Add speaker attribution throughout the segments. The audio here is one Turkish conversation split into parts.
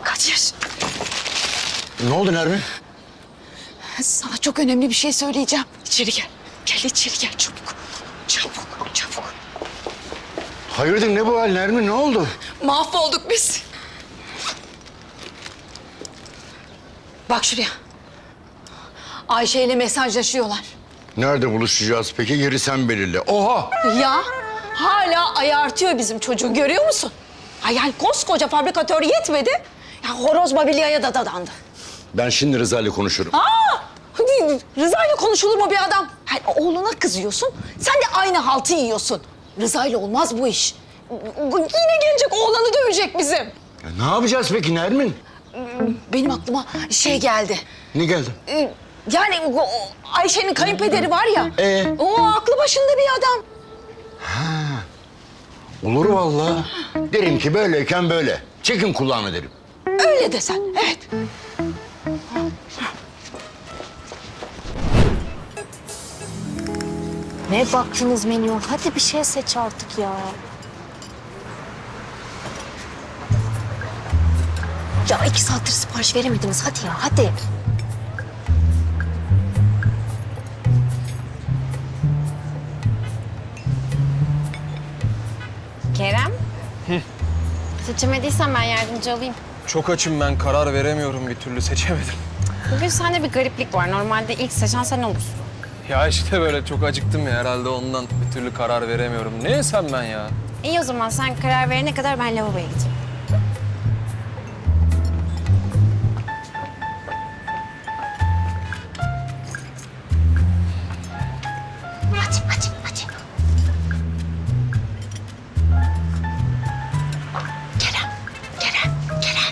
Speaker 1: Kadir,
Speaker 2: Ne oldu Nermin?
Speaker 1: sana çok önemli bir şey söyleyeceğim. İçeri gel. Gel içeri gel çabuk. Çabuk, çabuk.
Speaker 2: Hayırdır ne bu hal Nermin, ne oldu?
Speaker 1: Mahvolduk biz. Bak şuraya. Ayşe ile mesajlaşıyorlar.
Speaker 2: Nerede buluşacağız peki? Yeri sen belirle. Oha!
Speaker 1: Ya hala ayartıyor bizim çocuğu, görüyor musun? Ay yani koskoca fabrikatör yetmedi. Ya horoz mobilyaya da dadandı.
Speaker 2: Ben şimdi Rıza ile konuşurum.
Speaker 1: Rıza ile konuşulur mu bir adam? Yani oğluna kızıyorsun, sen de aynı haltı yiyorsun. Rıza ile olmaz bu iş. Yine gelecek, oğlanı dövecek bizim.
Speaker 2: Ya ne yapacağız peki Nermin?
Speaker 1: Benim aklıma şey geldi.
Speaker 2: Ne geldi?
Speaker 1: Yani o Ayşe'nin kayınpederi var ya. O aklı başında bir adam.
Speaker 2: Olur vallahi. Derim ki böyleyken böyle. Çekin kulağını derim.
Speaker 1: Öyle desen, evet.
Speaker 3: Ne baktınız menüye? Hadi bir şey seç artık ya. Ya 2 saattir sipariş veremediniz. Hadi ya, hadi.
Speaker 4: Kerem. Seçemediysen ben yardımcı olayım.
Speaker 5: Çok açım ben, karar veremiyorum bir türlü, seçemedim.
Speaker 4: Bugün sende bir gariplik var. Normalde ilk seçen sen olursun.
Speaker 5: Ya işte böyle çok acıktım ya, herhalde ondan bir türlü karar veremiyorum. Ne yesem ben ya?
Speaker 4: İyi o zaman sen karar verene kadar ben lavaboya gideyim.
Speaker 3: Hadi, hadi, hadi. Kerem, Kerem, Kerem.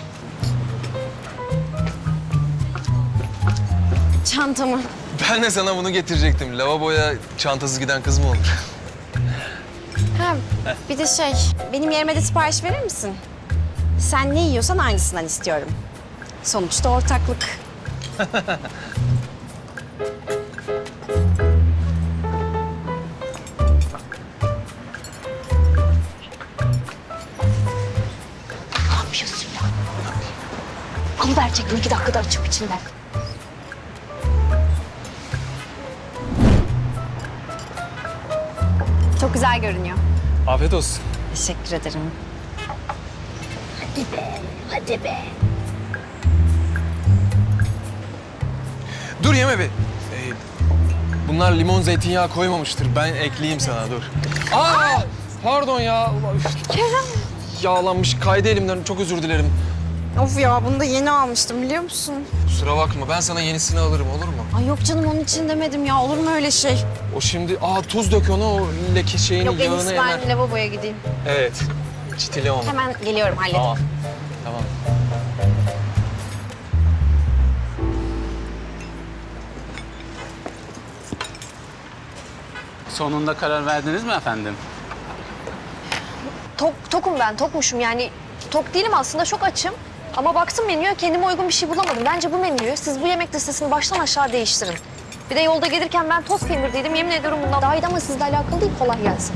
Speaker 4: Çantamı.
Speaker 5: Ben de sana bunu getirecektim. Lavaboya çantasız giden kız mı olur?
Speaker 4: Ha, bir de şey, benim yerime de sipariş verir misin? Sen ne yiyorsan aynısından istiyorum. Sonuçta ortaklık.
Speaker 3: Ne yapıyorsun ya? Alıverecektim 2 dakikada açıp içinden.
Speaker 4: Çok güzel görünüyor.
Speaker 5: Afiyet olsun.
Speaker 4: Teşekkür ederim.
Speaker 3: Hadi be, hadi be.
Speaker 5: Dur yeme bir. Bunlar limon zeytinyağı koymamıştır. Ben ekleyeyim sana, dur. Aa! Pardon ya. Kerem. Yağlanmış, kaydı elimden. Çok özür dilerim.
Speaker 4: Of ya, bunu da yeni almıştım biliyor musun?
Speaker 5: Kusura bakma, ben sana yenisini alırım, olur mu?
Speaker 4: Ay yok canım, onun için demedim ya. Olur mu öyle şey?
Speaker 5: O şimdi, tuz dök ona, o leke şeyini,
Speaker 4: Yok en
Speaker 5: yağını
Speaker 4: iyisi
Speaker 5: emer.
Speaker 4: ben lavaboya gideyim.
Speaker 5: Evet, çitile onu.
Speaker 4: Hemen geliyorum, halledin.
Speaker 5: Tamam, tamam.
Speaker 6: Sonunda karar verdiniz mi efendim?
Speaker 3: Tokum ben, tokmuşum yani. Tok değilim aslında, çok açım. Ama baktım menüye, kendime uygun bir şey bulamadım. Bence bu menüyü siz bu yemek listesini baştan aşağı değiştirin. Bir de yolda gelirken ben toz kemirdiydim. Yemin ediyorum bundan daha iyiydi ama sizle alakalı değil. Kolay gelsin.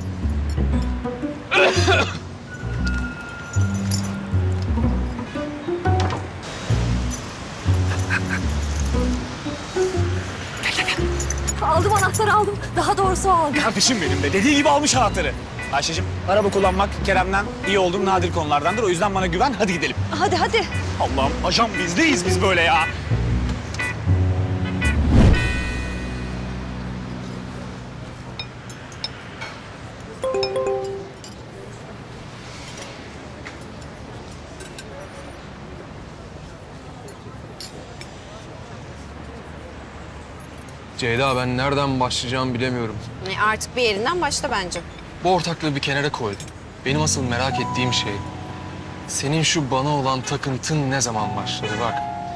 Speaker 3: Aldım, anahtarı aldım. Daha doğrusu aldım.
Speaker 6: Kardeşim benim de dediği gibi almış anahtarı. Ayşe'cim, araba kullanmak Kerem'den iyi olduğum nadir konulardandır. O yüzden bana güven, hadi gidelim.
Speaker 3: Hadi hadi.
Speaker 6: Allah'ım, ajan bizdeyiz biz böyle ya.
Speaker 5: Ceyda, ben nereden başlayacağımı bilemiyorum.
Speaker 4: Artık bir yerinden başla bence.
Speaker 5: Bu ortaklığı bir kenara koy. Benim asıl merak ettiğim şey, senin şu bana olan takıntın ne zaman başladı bak.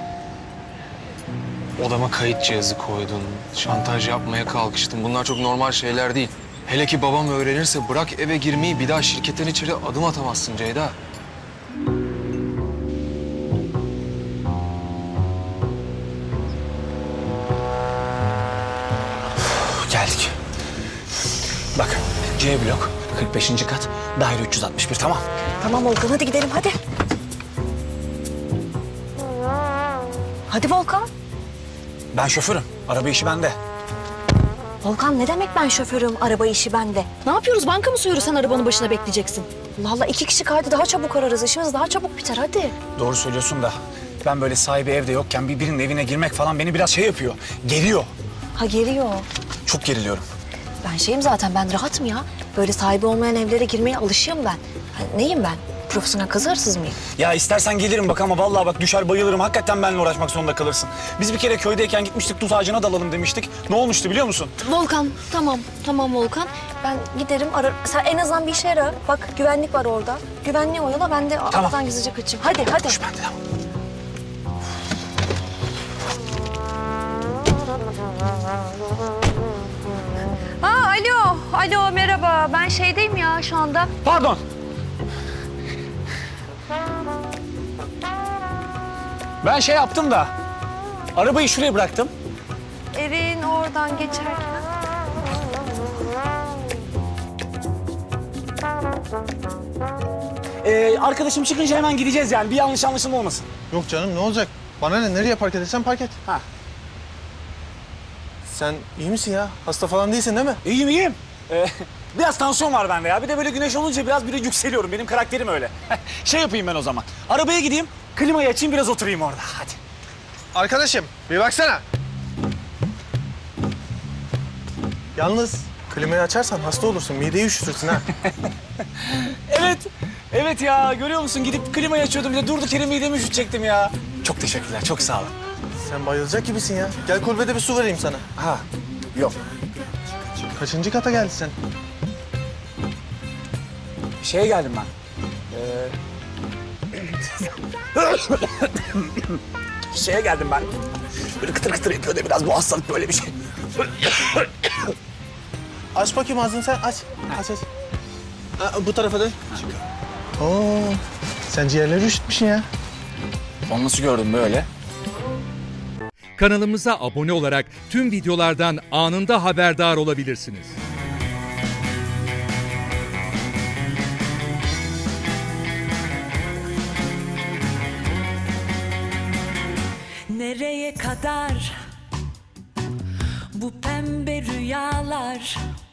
Speaker 5: Odama kayıt cihazı koydun, şantaj yapmaya kalkıştın. Bunlar çok normal şeyler değil. Hele ki babam öğrenirse bırak eve girmeyi, bir daha şirketten içeri adım atamazsın Ceyda.
Speaker 6: Geldik. Bak, C blok, 45. kat, daire 361, tamam.
Speaker 3: Tamam Olgun, hadi gidelim hadi. Hadi Volkan.
Speaker 6: Ben şoförüm. Araba işi bende.
Speaker 3: Volkan ne demek ben şoförüm, araba işi bende? Ne yapıyoruz? Banka mı soyuyoruz, sen arabanın başına bekleyeceksin? Allah Allah, 2 kişi kaydı, daha çabuk ararız. İşimiz daha çabuk biter, hadi.
Speaker 6: Doğru söylüyorsun da ben böyle sahibi evde yokken birinin evine girmek falan beni biraz şey yapıyor. Geriyor.
Speaker 3: Ha, geliyor.
Speaker 6: Çok geriliyorum.
Speaker 3: Ben şeyim zaten, ben rahatım ya. Böyle sahibi olmayan evlere girmeye alışığım ben. Ha, neyim ben? Profesyonel kazı hırsız mıyım?
Speaker 6: Ya istersen gelirim bak ama vallahi bak düşer bayılırım. Hakikaten benimle uğraşmak zorunda kalırsın. Biz bir kere köydeyken gitmiştik, tut ağacına dalalım demiştik. Ne olmuştu biliyor musun?
Speaker 3: Volkan, tamam Volkan. Ben giderim, arar. Sen en azından bir işe yara. Bak, güvenlik var orada. Güvenliği oyala, ben de aradan gizlice kaçayım. Hadi.
Speaker 6: Ben de tamam.
Speaker 3: Alo, merhaba. Ben şeydeyim ya şu anda.
Speaker 6: Pardon. Ben şey yaptım da arabayı şuraya bıraktım.
Speaker 3: Evin oradan geçerken.
Speaker 6: Arkadaşım çıkınca hemen gideceğiz yani. Bir yanlış anlaşılma olmasın.
Speaker 5: Yok canım, ne olacak? Bana ne? Nereye park edersen park et.
Speaker 6: Ha.
Speaker 5: Sen iyi misin ya? Hasta falan değilsin değil mi?
Speaker 6: İyiyim. Biraz tansiyon var bende ya. Bir de böyle güneş olunca biraz yükseliyorum. Benim karakterim öyle. Şey yapayım ben o zaman. Arabaya gideyim, klimayı açayım, biraz oturayım orada. Hadi.
Speaker 5: Arkadaşım, bir baksana. Yalnız klimayı açarsan hasta olursun, mideyi üşütürsün ha.
Speaker 6: Evet ya. Görüyor musun? Gidip klimayı açıyordum. Bir de durduk yere midemi üşütecektim ya. Çok teşekkürler. Çok sağ olun.
Speaker 5: Sen bayılacak gibisin ya. Gel kulübede bir su vereyim sana.
Speaker 6: Ha. Yok.
Speaker 5: Kaçıncı kata geldin sen?
Speaker 6: Şeye geldim ben. Şeye geldim ben. Böyle kıtır kıtır yapıyor da biraz bu hastalık böyle bir şey.
Speaker 5: Aç bakayım ağzını sen, aç. Aç. Bu tarafa dön. Oo, sen ciğerleri üşütmüşsün ya.
Speaker 6: Onu nasıl gördün böyle?
Speaker 7: Kanalımıza abone olarak tüm videolardan anında haberdar olabilirsiniz.
Speaker 8: Nereye kadar bu pembe rüyalar?